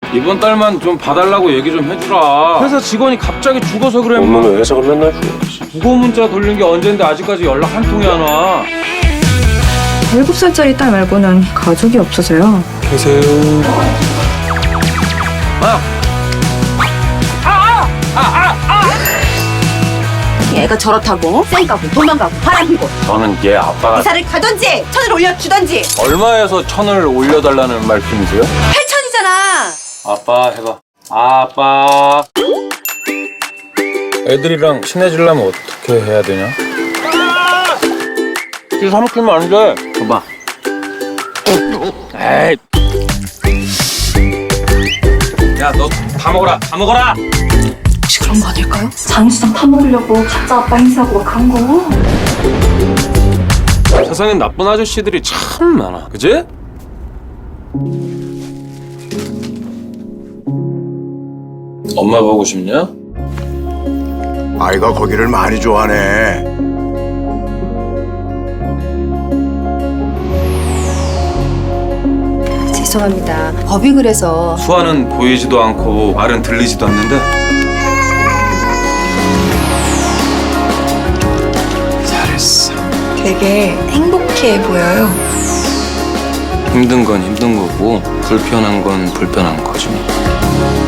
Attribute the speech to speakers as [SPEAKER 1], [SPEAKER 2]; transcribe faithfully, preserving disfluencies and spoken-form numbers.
[SPEAKER 1] 이번 달만 좀 봐달라고 얘기 좀 해주라. 회사 직원이 갑자기 죽어서 그래.
[SPEAKER 2] 엄마는 회사가 맨날 죽어.
[SPEAKER 1] 부고 문자 돌린 게 언젠데 아직까지 연락 한 통이 안 와.
[SPEAKER 3] 일곱 살짜리 딸 말고는 가족이 없어서요.
[SPEAKER 2] 계세요.
[SPEAKER 4] 얘가 저렇다고 쌩까고 도망가고 바람피고
[SPEAKER 1] 저는 얘 아빠가
[SPEAKER 4] 이사를 가던지 천을 올려주던지.
[SPEAKER 1] 얼마에서 천을 올려달라는 말씀이세요?
[SPEAKER 4] 팔천이잖아.
[SPEAKER 1] 아빠 해봐. 아빠. 애들이랑 친해지려면 어떻게 해야 되냐? 이 삼키면 안 돼. 봐봐. 에이. 야, 너 다 먹어라. 다 먹어라.
[SPEAKER 3] 혹시 그런 거 아닐까요? 장시장 타먹으려고 가짜 아빠 행세하고 막 그런 거.
[SPEAKER 1] 세상엔 나쁜 아저씨들이 참 많아. 그지? 엄마 보고 싶냐?
[SPEAKER 5] 아이가 거기를 많이 좋아하네.
[SPEAKER 4] 죄송합니다. 법이 그래서.
[SPEAKER 1] 수아는 보이지도 않고 말은 들리지도 않는데 잘했어.
[SPEAKER 3] 되게 행복해 보여요.
[SPEAKER 1] 힘든 건 힘든 거고 불편한 건 불편한 거지.